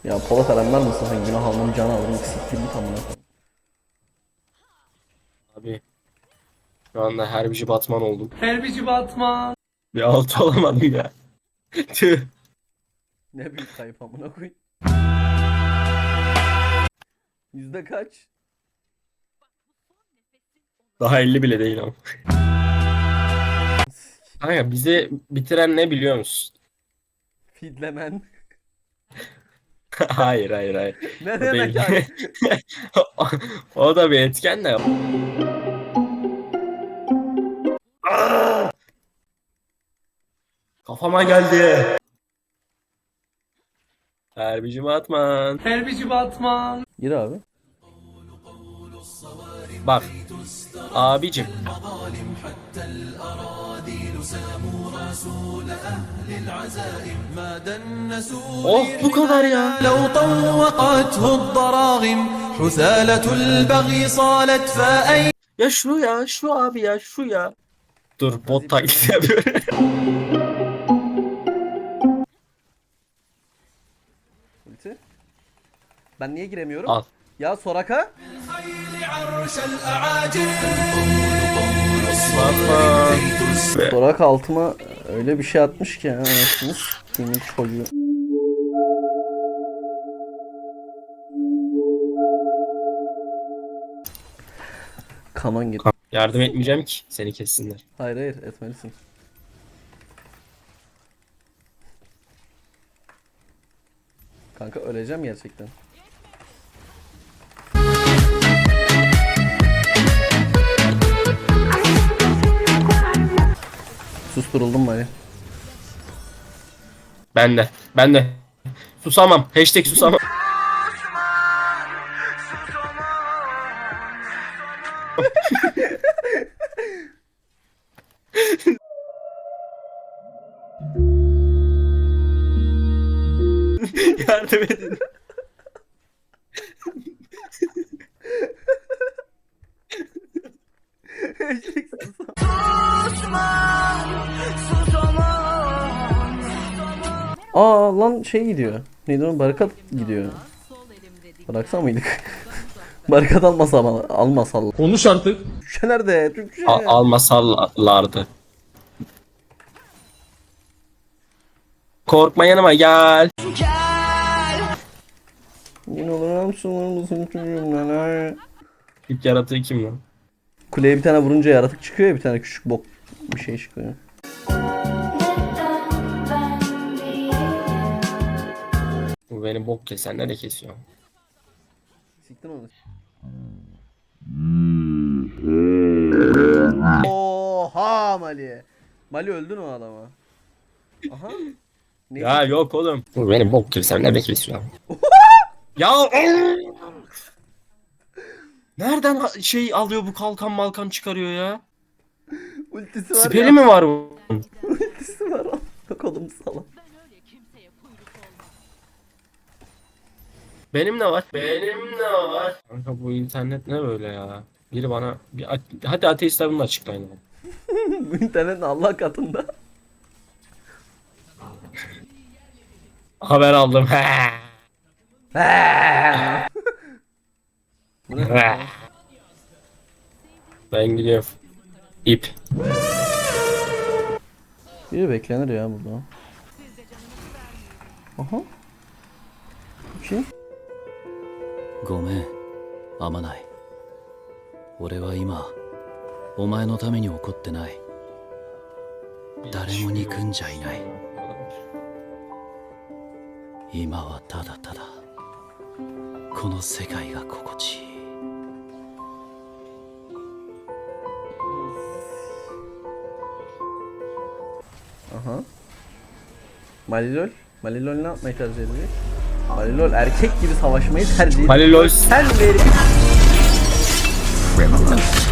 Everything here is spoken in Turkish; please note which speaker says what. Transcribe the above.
Speaker 1: Ya Polat alemler mısın sen? Günah almanın canı alırım. Siktir git amına koyayım.
Speaker 2: Abi şu anda Herbici Batman oldum.
Speaker 3: Herbici Batman.
Speaker 2: Bir altı olamadım ya. Tüh.
Speaker 1: Ne büyük kayıp amına koyayım. Yüzde kaç?
Speaker 2: Daha 50 bile değil ama. Kanka bizi bitiren ne biliyor musun?
Speaker 1: Fidlemen.
Speaker 2: Hayır hayır hayır.
Speaker 1: Ne
Speaker 2: O
Speaker 1: demek
Speaker 2: değil.
Speaker 1: abi?
Speaker 2: O da bir etken de. Aa! Kafama geldi. Herbici Batman.
Speaker 3: Herbici Batman.
Speaker 1: Gir abi.
Speaker 2: Bak. Abicim. Oh bu kadar ya.
Speaker 4: لو طوقته الضراغم حثالة البغي صالت فأين
Speaker 2: Ya şu ya şu abi ya şu ya. Dur bot taklidi yapıyorum.
Speaker 1: Ulti. Ben niye giremiyorum?
Speaker 2: Al.
Speaker 1: Ya Soraka.
Speaker 4: عرش الأعاجم
Speaker 1: Soraka altıma öyle bir şey atmış ki anasını s**timin çocuğu. Kanon git.
Speaker 2: Yardım etmeyeceğim ki seni kessinler.
Speaker 1: Hayır hayır etmelisin. Kanka öleceğim gerçekten. Susturuldum bari.
Speaker 2: Ben de. Ben de. Susamam. Hashtag susamam. Yardım edin.
Speaker 1: Aa lan şey gidiyor. Neydi o? Barikat gidiyor. Bıraksa mıydık? Barikat almasalar.
Speaker 3: Konuş artık.
Speaker 1: Türkçe nerede? Türkçe.
Speaker 2: Almasallardı. Korkma yanıma gel.
Speaker 1: Yine olur musun çocuğum?
Speaker 2: İlk yaratığı kim lan?
Speaker 1: Kuleye bir tane vurunca yaratık çıkıyor ya, bir tane küçük bok bir şey çıkıyor.
Speaker 2: Bu beni bok kesenler de kesiyor.
Speaker 1: Siktin onu. Oha Mali. Mali öldün o adama. Aha. Neyse.
Speaker 2: Ya yok oğlum. Bu beni bok kesenler de kesiyor. Ya nereden şey alıyor bu kalkan malkan çıkarıyor ya?
Speaker 1: Ultisi var
Speaker 2: Siperi
Speaker 1: ya.
Speaker 2: mi var bu?
Speaker 1: Ultisi var. Kolum salak.
Speaker 2: Benim de var. Benim de var. Kanka bu internet ne böyle ya? Biri bana hadi ateistler bunu açıklayın.
Speaker 1: Bu internet Allah katında.
Speaker 2: Haber aldım.
Speaker 1: Bu ne?
Speaker 2: Ben gidiyorum. İp.
Speaker 1: Biri beklenir ya burada. Aha. Kim?
Speaker 5: ごめん、あまない。俺は今、お前のために怒ってない。誰も憎んじゃいない。今はただただ、この世界が心地いい。
Speaker 1: Aha. Malilol. Malilol ne yapmayı tercih edecek? Malilol erkek gibi savaşmayı tercih ediyor.
Speaker 2: Halil Oys.
Speaker 1: Sen verin.